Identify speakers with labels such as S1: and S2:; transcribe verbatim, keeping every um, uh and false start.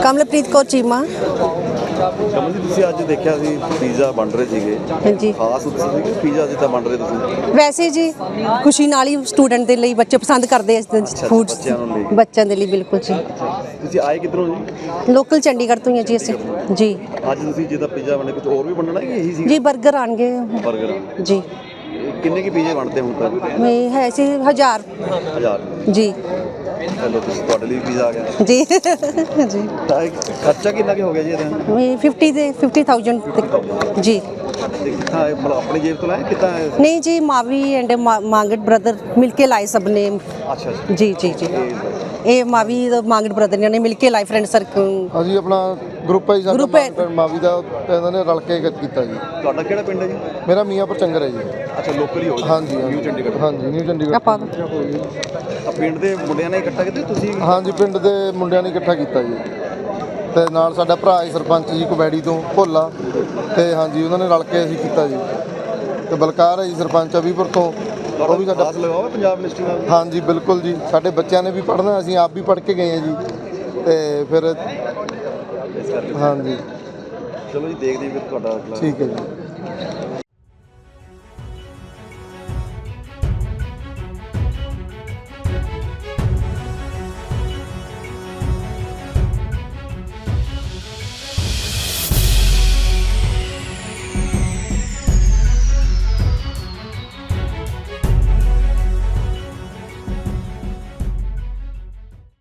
S1: ਕਮਲਪ੍ਰੀਤ ਕੌਰ ਚੀਮਾ।
S2: ਕਮਲ ਜੀ ਤੁਸੀਂ ਅੱਜ ਦੇਖਿਆ ਸੀ ਪੀਜ਼ਾ ਬਣ ਰਹੇ ਸੀਗੇ,
S1: ਹਾਂਜੀ
S2: ਖਾਸ ਉਤਸਵ ਸੀ ਕਿ ਪੀਜ਼ਾ ਜਿੱਦਾਂ ਬਣ ਰਹੇ ਤੁਸੀਂ?
S1: ਵੈਸੇ ਜੀ ਖੁਸ਼ੀ ਨਾਲ ਹੀ ਸਟੂਡੈਂਟ ਦੇ ਲਈ ਬੱਚੇ ਪਸੰਦ ਕਰਦੇ ਆ ਫੂਡ
S2: ਬੱਚਿਆਂ ਨੂੰ ਲੈ ਕੇ।
S1: ਬੱਚਿਆਂ ਦੇ ਲਈ ਬਿਲਕੁਲ ਜੀ।
S2: ਤੁਸੀਂ ਆਏ ਕਿੱਧਰੋਂ ਜੀ?
S1: ਲੋਕਲ ਚੰਡੀਗੜ੍ਹ ਤੋਂ ਹੀ ਹਾਂ ਜੀ ਅਸੀਂ ਜੀ।
S2: ਅੱਜ ਤੁਸੀਂ ਜਿੱਦਾਂ ਪੀਜ਼ਾ ਬਣੇ ਕੁਝ ਹੋਰ ਵੀ ਬਣਨਾ ਕਿ ਇਹੀ ਸੀ?
S1: ਜੀ 버ਗਰ ਆਣਗੇ
S2: ਬਰਗਰ
S1: ਜੀ।
S2: ਕਿੰਨੇ ਕੀ ਪੀਜ਼ੇ ਬਣਦੇ ਹੁਣ ਤੱਕ?
S1: ਮੈਂ ਹੈ ਸੀ ਹਜ਼ਾਰ
S2: ਹਜ਼ਾਰ
S1: ਜੀ।
S2: ਚਲੋ ਤੁਸੀਂ ਤੁਹਾਡੇ ਲਈ ਪੀਜ਼ਾ ਆ ਗਿਆ
S1: ਜੀ ਜੀ।
S2: ਤਾਂ ਇਹ ਖਰਚਾ ਕਿੰਨਾ ਕੁ ਹੋ ਗਿਆ ਜੀ ਇਹਦਾ?
S1: ਮੈਂ ਫਿਫਟੀ ਦੇ ਫਿਫਟੀ ਥਾਊਜੈਂਡ ਤੱਕ ਜੀ।
S2: ਤੇ ਕਿੱਥਾਂ ਇਹ ਮਤਲਬ ਆਪਣੀ ਜੇਬ ਤੋਂ ਲਾਇਆ ਕਿੱਦਾਂ ਇਹ?
S1: ਨਹੀਂ ਜੀ ਮਾਵੀ ਐਂਡ ਮਾਂਗਟ ਬ੍ਰਦਰ ਮਿਲ ਕੇ ਲਾਏ ਸਭ ਨੇ।
S2: ਅੱਛਾ ਅੱਛਾ
S1: ਜੀ ਜੀ ਜੀ। ਇਹ ਮਾਵੀ ਮਾਂਗਟ ਬ੍ਰਦਰ ਨੇ ਮਿਲ ਕੇ ਲਾਏ ਫਰੈਂਡ ਸਰਕਲ।
S3: ਅਸੀਂ ਆਪਣਾ ਗਰੁੱਪ ਹੈ ਜੀ ਸਾਡਾ
S1: Group ਹੈ।
S3: ਮਾਂ- ਮਾਵੀ ਦਾ ਤੇ ਇਹਨਾਂ ਨੇ ਰਲ ਕੇ ਕੀਤਾ ਜੀ।
S2: ਤੁਹਾਡਾ ਕਿਹੜਾ ਪਿੰਡ ਹੈ ਜੀ?
S3: ਮੇਰਾ ਮੀਆਂਪੁਰ ਚੰਗਰ ਹੈ ਜੀ।
S2: ਅੱਛਾ ਲੋਕਲ ਹੀ ਹੋ ਗਿਆ?
S3: ਹਾਂਜੀ
S2: ਨਿਊ ਚੰਡੀਗੜ੍ਹ।
S3: ਹਾਂਜੀ ਨਿਊ ਚੰਡੀਗੜ੍ਹ।
S1: ਆਪਾਂ
S2: ਆ ਪਿੰਡ ਦੇ ਮੁੰਡਿਆਂ ਨੇ ਇਕੱਠਾ ਕੀਤਾ ਤੁਸੀਂ?
S3: ਹਾਂਜੀ ਪਿੰਡ ਦੇ ਮੁੰਡਿਆਂ ਨੇ ਇਕੱਠਾ ਕੀਤਾ ਜੀ, ਤੇ ਨਾਲ ਸਾਡਾ ਭਰਾ ਹੈ ਸਰਪੰਚ ਜੀ ਕਬੈੜੀ ਤੋਂ ਭੋਲਾ, ਤੇ ਹਾਂਜੀ ਉਹਨਾਂ ਨੇ ਰਲ ਕੇ ਅਸੀਂ ਕੀਤਾ ਜੀ। ਤੇ ਬਲਕਾਰ ਹੈ ਜੀ ਸਰਪੰਚ ਅਭੀਪੁਰ ਤੋਂ, ਉਹ ਵੀ ਸਾਡਾ
S2: ਖਾਸ ਲਗਾਓ ਪੰਜਾਬ ਯੂਨੀਵਰਸਿਟੀ ਨਾਲ।
S3: ਹਾਂਜੀ ਬਿਲਕੁਲ ਜੀ। ਸਾਡੇ ਬੱਚਿਆਂ ਨੇ ਵੀ ਪੜ੍ਹਨਾ, ਅਸੀਂ ਆਪ ਵੀ ਪੜ੍ਹ ਕੇ ਗਏ ਹਾਂ ਜੀ, ਤੇ ਫਿਰ
S2: ਇਸ ਕਰਕੇ
S3: ਹਾਂਜੀ
S2: ਚਲੋ ਜੀ ਦੇਖਦੇ ਹਾਂ ਫਿਰ ਤੁਹਾਡਾ ਅਗਲਾ।
S3: ਠੀਕ ਹੈ ਜੀ।